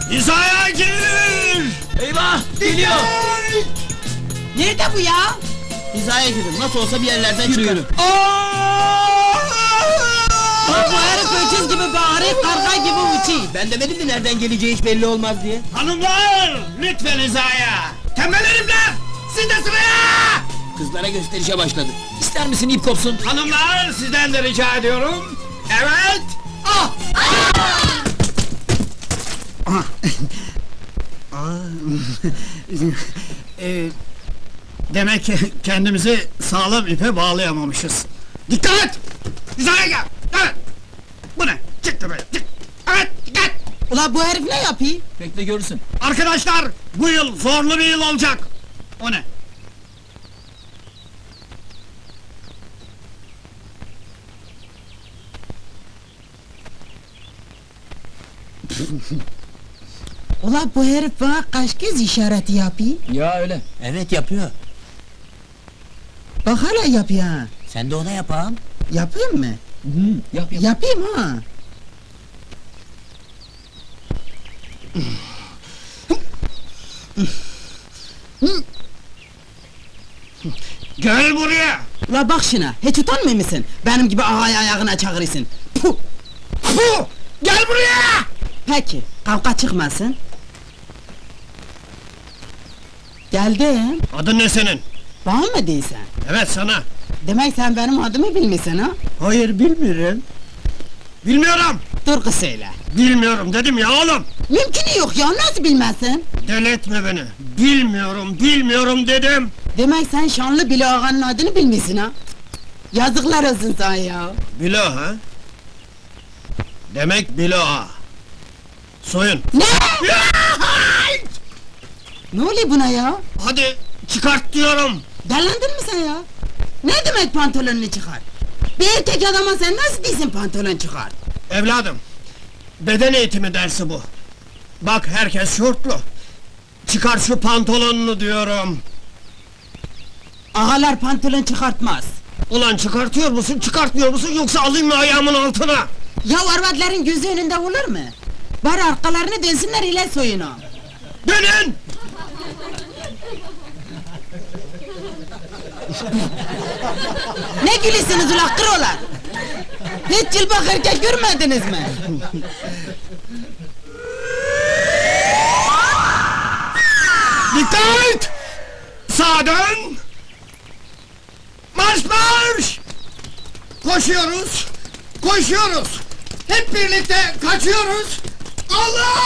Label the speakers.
Speaker 1: Hizaya gir!
Speaker 2: Eyvah! Geliyor!
Speaker 3: Nerede bu ya?
Speaker 2: Hizaya girin, nasıl olsa bir yerlerden çıkar.
Speaker 3: Bak bu herif öküz gibi bağırıyor, karga gibi uçuyor.
Speaker 2: Ben demedim mi nereden geleceği hiç belli olmaz diye?
Speaker 1: Hanımlar! Lütfen hizaya! Tembel herifler! Siz de sıraya!
Speaker 2: Kızlara gösterişe başladı. İster misin ip kopsun?
Speaker 1: Hanımlar, sizden de rica ediyorum. Evet! Ah! Demek ki kendimizi sağlam ipe bağlayamamışız. Dikkat! Hizaya gel! Evet! Bu ne? Çıktı böyle! Çık! Evet! Dikkat!
Speaker 3: Ula bu herif ne yapıyor?
Speaker 2: Bekle görürsün.
Speaker 1: Arkadaşlar, bu yıl zorlu bir yıl olacak! O ne?
Speaker 3: Ula bu herif bana kaç kez işareti yapıyor?
Speaker 2: Ya öyle.
Speaker 4: Evet yapıyor.
Speaker 3: Bak hala yapıyor ha.
Speaker 4: Sen de ona yapalım.
Speaker 3: Yapayım mı?
Speaker 2: Yap yap.
Speaker 3: Yapayım ha.
Speaker 1: Gel buraya!
Speaker 3: Ula bak şuna, hiç utanmıyor musun? Benim gibi ağayı ayağına çağırırsın. Puh!
Speaker 1: Puh! Gel buraya!
Speaker 3: Peki, kavga çıkmasın. Geldim.
Speaker 1: Adın ne senin?
Speaker 3: Bana mı değilsen?
Speaker 1: Evet sana.
Speaker 3: Demek sen benim adımı bilmiyorsun ha?
Speaker 1: Hayır bilmiyorum. Bilmiyorum.
Speaker 3: Dur kız söyle.
Speaker 1: Bilmiyorum dedim ya oğlum.
Speaker 3: Mümkünü yok ya, nasıl bilmezsin?
Speaker 1: Deli etme beni. Bilmiyorum dedim.
Speaker 3: Demek sen şanlı Bilo ağanın adını bilmiyorsun ha? Yazıklar olsun sana ya.
Speaker 1: Bilo ha? Demek Bilo ha. Soyun.
Speaker 3: Ne? Ne oluyor buna ya?
Speaker 1: Hadi çıkart diyorum.
Speaker 3: Delendin mi sen ya? Ne demek pantolonunu çıkar? Bir erkek adama sen nasıl değilsin pantolon çıkar?
Speaker 1: Evladım. Beden eğitimi dersi bu. Bak herkes şortlu. Çıkar şu pantolonunu diyorum.
Speaker 3: Ağalar pantolon çıkartmaz.
Speaker 1: Ulan çıkartıyor musun çıkartmıyor musun yoksa alayım mı ayağımın altına?
Speaker 3: Ya arvadların gözü önünde olur mu? Bari arkalarını dönsünler ile soyunu.
Speaker 1: Dönün!
Speaker 3: Ne gülüyorsunuz ula kırolar? Hiç cılbak erkek görmediniz mi?
Speaker 1: Dikkat! Sağa dön! Marş marş! Koşuyoruz! Koşuyoruz! Hep birlikte kaçıyoruz! Allah!